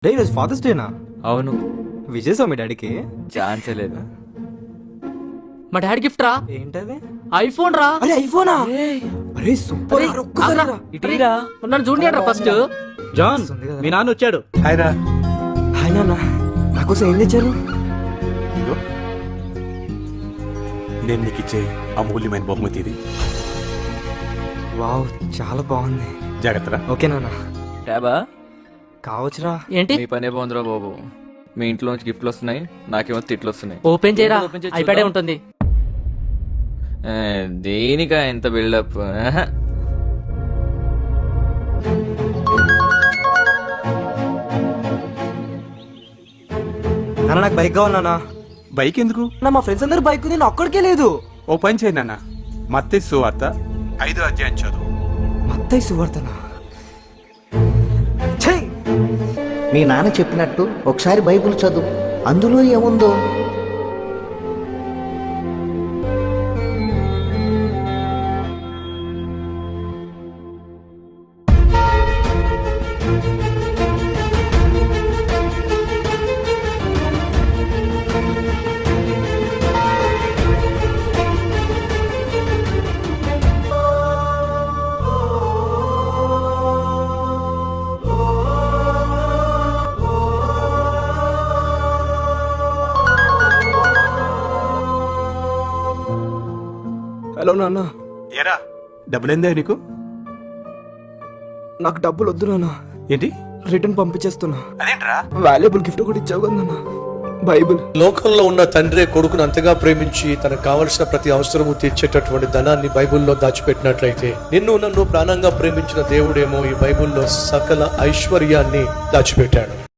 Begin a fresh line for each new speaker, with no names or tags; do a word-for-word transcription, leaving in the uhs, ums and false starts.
Day ఈరోజు fathers డేనా?
అవును.
విజయసా మీ డాడీకి?
ఛాన్సే లేదు.
మా డాడీ గిఫ్ట్ రా.
ఏంటది?
ఐఫోన్ రా.
అరే ఐఫోనా? అరే సూపర్.
అరే,
ఒక్కసారి
ఆగ్రా.
రా.
ఇటీరా
నన్ను చూడండి రా ఫస్ట్.
జాన్, మీ నాన్న వచ్చాడు.
హాయ్ రా.
హాయ్ నాన్న, నాకోసం ఏం తెచ్చారు?
ఇదిగో నేను నీకు ఇచ్చే అమూల్యమైన బహుమతి ఇది.
వావ్, చాలా బాగుంది.
జాగ్రత్తరా.
ఓకే నాన్న.
ట్యాబా
కావచ్చురా.
ఏంటి?
మీ పనే బాగుందిరా బాబు. మీ ఇంట్లో నుంచి గిఫ్ట్లు వస్తున్నాయి, నాకేమో తిట్లు వస్తున్నాయి.
ఓపెన్ చేయరా,
ఓపెన్ చేసి
ఐప్యాడే
చూద్దాం.
ఉంటుంది.
ఏ, దేనికా ఎంత బిల్డప్? ఆహా.
నాన్న నాకు బైక్ కావాలి నాన్న.
బైక్ ఎందుకు?
నా మా ఫ్రెండ్స్ అందరూ బైక్ ఉంది, నేను ఒక్కడికే లేదు.
ఓ పని చేయి నాన్న, మత్తయి సువార్త ఐదో అధ్యాయం చదువు.
మత్తయి సువార్తనా? ఛీ!
మీ నాన్న చెప్పినట్టు ఒకసారి బైబిల్ చదువు, అందులో ఏముందో.
హలో నాన్న,
ఏరా డబ్బులు ఏందా నీకు?
నాకు డబ్బులు వద్దు నాన్న.
ఏంటి?
రిటర్న్ పంపించేస్తున్నా.
అదేంట్రా?
వాల్యుబుల్ గిఫ్ట్ కూడా ఇచ్చావు కదా నాన్న, బైబిల్.
లోకంలో ఉన్న తండ్రి కొడుకును అంతగా ప్రేమించి తనకు కావలసిన ప్రతి అవసరము తీర్చేటటువంటి ధనాన్ని బైబిల్లో దాచిపెట్టినట్లయితే నిన్ను నన్ను ప్రాణంగా ప్రేమించిన దేవుడేమో ఈ బైబిల్లో సకల ఐశ్వర్యాన్ని దాచిపెట్టాడు.